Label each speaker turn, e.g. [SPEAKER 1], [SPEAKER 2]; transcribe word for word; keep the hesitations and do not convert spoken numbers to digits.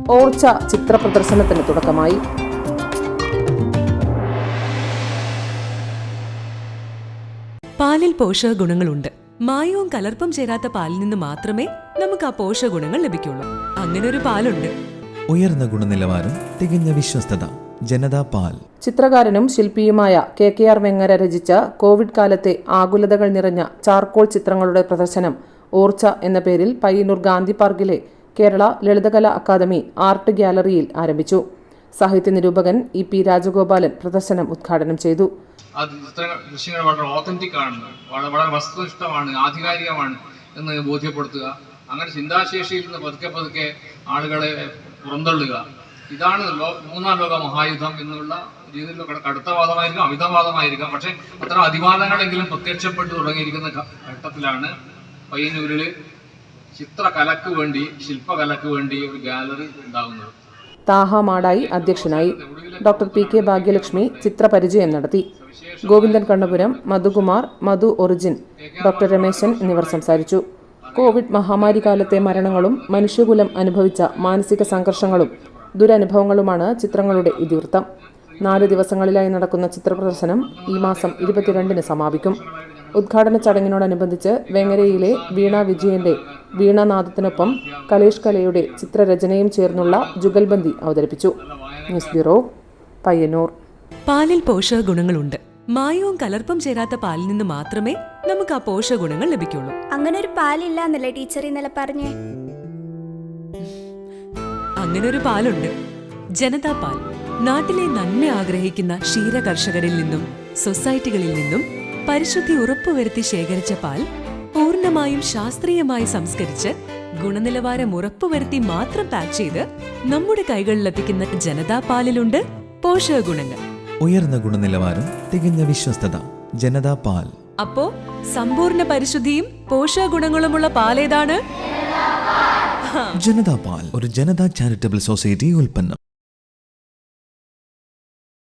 [SPEAKER 1] ഓർച്ച ചിത്ര പ്രദർശനത്തിന് തുടക്കമായി.
[SPEAKER 2] പാലിൽ പോഷക ഗുണങ്ങളുണ്ട്. മായവും കലർപ്പും ചേരാത്ത പാലിൽ നിന്ന് മാത്രമേ നമുക്ക് ആ പോഷക ഗുണങ്ങൾ ലഭിക്കുള്ളൂ. അങ്ങനെ ഒരു പാലുണ്ട്.
[SPEAKER 3] ഉയർന്ന ഗുണനിലവാരം, തികഞ്ഞ വിശ്വസ്തത. ജനതാ പാൽ.
[SPEAKER 1] ചിത്രകാരനും ശില്പിയുമായ കെ കെ ആർ വെങ്ങര രചിച്ച കോവിഡ് കാലത്തെ ആകുലതകൾ നിറഞ്ഞ ചാർക്കോൾ ചിത്രങ്ങളുടെ പ്രദർശനം ഓർച്ച എന്ന പേരിൽ പയ്യന്നൂർ ഗാന്ധി പാർക്കിലെ കേരള ലളിതകലാ അക്കാദമി ആർട്ട് ഗ്യാലറിയിൽ ആരംഭിച്ചു. സാഹിത്യ നിരൂപകൻ ഇ പി രാജഗോപാലൻ പ്രദർശനം ഉദ്ഘാടനം ചെയ്തു.
[SPEAKER 4] ദൃശ്യങ്ങൾ വളരെ ഓതന്റിക് ആണ്, വളരെ വസ്തുനിഷ്ഠമാണ്, ആധികാരികമാണ് എന്ന് ബോധ്യപ്പെടുത്തുക. അങ്ങനെ ചിന്താശേഷിയിൽ നിന്ന് പതുക്കെ പതുക്കെ ആളുകളെ പുറന്തള്ളുക. ഇതാണ് മൂന്നാം ലോക മഹായുദ്ധം എന്നുള്ള രീതിയിലുള്ള കടുത്ത വാദമായിരിക്കാം, അമിതവാദമായിരിക്കാം. പക്ഷെ അത്തരം അതിവാദങ്ങളെങ്കിലും പ്രത്യക്ഷപ്പെട്ടു തുടങ്ങിയിരിക്കുന്ന ഘട്ടത്തിലാണ് പയ്യന്നൂരിൽ ചിത്രകലക്ക് വേണ്ടി, ശില്പകലക്ക് വേണ്ടി ഒരു ഗാലറി ഉണ്ടാകുന്നത്.
[SPEAKER 1] താഹ മാടായി അധ്യക്ഷനായി. ഡോക്ടർ പി കെ ഭാഗ്യലക്ഷ്മി ചിത്രപരിചയം നടത്തി. ഗോവിന്ദൻ കണ്ണപുരം, മധുകുമാർ, മധു ഒറിജിൻ, ഡോക്ടർ രമേശൻ എന്നിവർ സംസാരിച്ചു. കോവിഡ് മഹാമാരി കാലത്തെ മരണങ്ങളും മനുഷ്യകുലം അനുഭവിച്ച മാനസിക സംഘർഷങ്ങളും ദുരനുഭവങ്ങളുമാണ് ചിത്രങ്ങളുടെ ഇതിവൃത്തം. നാല് ദിവസങ്ങളിലായി നടക്കുന്ന ചിത്രപ്രദർശനം ഈ മാസം ഇരുപത്തിരണ്ടിന് സമാപിക്കും. ഉദ്ഘാടന ചടങ്ങിനോടനുബന്ധിച്ച് വെങ്ങരയിലെ വീണ വിജയന്റെ വീണാനാദത്തിനൊപ്പം കലേഷ് കലയുടെ ചിത്രരചനയും ചേർന്നുള്ള ജുഗൽബന്ദി അവതരിപ്പിച്ചു. News bureau, Payyanur.
[SPEAKER 2] പാലിൽ പോഷക ഗുണങ്ങളുണ്ട്. മായവും കലർപ്പും ചേരാത്ത പാലിൽ നിന്ന് മാത്രമേ നമുക്ക് ആ പോഷക ഗുണങ്ങൾ ലഭിക്കുള്ളൂ.
[SPEAKER 5] അങ്ങനെ ഒരു പാലില്ല എന്നല്ലേ ടീച്ചർ ഇന്നലെ പറഞ്ഞേ?
[SPEAKER 2] അങ്ങനെ ഒരു പാലുണ്ട്. ജനതാ പാൽ. നാട്ടിലെ നന്മ ആഗ്രഹിക്കുന്ന ക്ഷീര കർഷകരിൽ നിന്നും സൊസൈറ്റികളിൽ നിന്നും പരിശുദ്ധി ഉറപ്പുവരുത്തി ശേഖരിച്ച പാൽ പൂർണ്ണമായും ശാസ്ത്രീയമായി സംസ്കരിച്ച് ഗുണനിലവാരം ഉറപ്പുവരുത്തി മാത്രം പാക്ക് ചെയ്ത് നമ്മുടെ കൈകളിലെത്തിക്കുന്ന ജനതാ പാലിലുണ്ട് പോഷക ഗുണങ്ങൾ.
[SPEAKER 3] ഉയർന്ന ഗുണനിലവാരം, തികഞ്ഞ വിശ്വസ്തത. ജനതാ പാൽ.
[SPEAKER 2] അപ്പോ സമ്പൂർണ്ണ പരിശുദ്ധിയും പോഷക ഗുണങ്ങളുമുള്ള പാലേതാണ്?
[SPEAKER 3] ജനതാ പാൽ ഒരു ജനതാ ചാരിറ്റബിൾ സൊസൈറ്റി ഉൽപ്പന്നം.